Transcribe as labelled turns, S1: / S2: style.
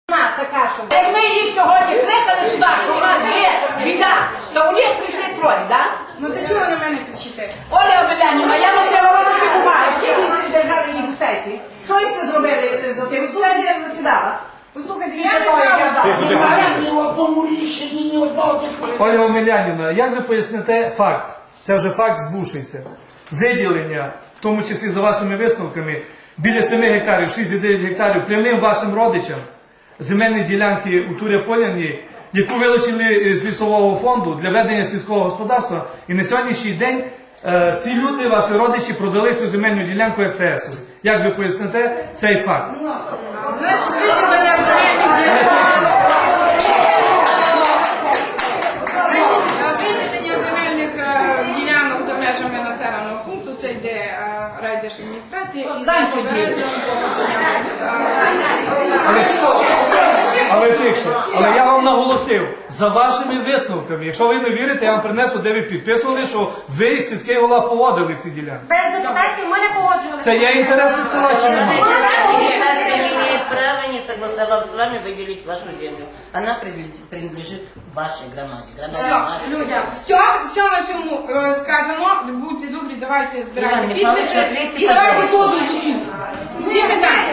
S1: Така, що...
S2: Як ми їх сьогодні кликали сюди, що у нас є біда, то у них прийшли троє, так?
S1: Ну ти чого на мене кричите?
S2: Оля Обелянівна, я носила вам такі бумаги, скільки держали їх у сесії. Що ви це зробили з тим? Сесія засідала.
S1: Послухайте, я не знаю.
S3: Немає ні в одному рішенні, ні одного депутата.
S4: Оля Омелянівна, як ви поясните факт? Це вже факт збувшийся. Виділення, в тому числі за вашими висновками, біля 7 гектарів, 6,9 гектарів прямим вашим родичам земельні ділянки у Туря-Поляні, яку вилучили з лісового фонду для ведення сільського господарства. І на сьогоднішній день ці люди, ваші родичі, продали цю земельну ділянку СТС. Як ви поясните цей факт?
S1: Значить, виділення земельних ділянок за межами населеного пункту, це йде райдержадміністрація і за попередженням погодження.
S4: Але тихше. Але я вам наголосив, за вашими висновками, якщо ви не вірите, я вам принесу, де ви підписували, що ви, як сільський голова, поводили ці ділянки.
S5: Без депутатів ми не погоджувалися.
S4: Це є інтереси села чи немає?
S6: Не имеет права, не согласовав с вами, выделить вашу землю. Она принадлежит вашей громаде.
S1: Все, люди, все на чому сказано, будьте добрі, давайте збирайте
S6: Іван Михайлович,
S1: підписи
S6: відкрийте,
S1: і давайте
S6: пожалуйста.
S1: позов до суду. Всі питання.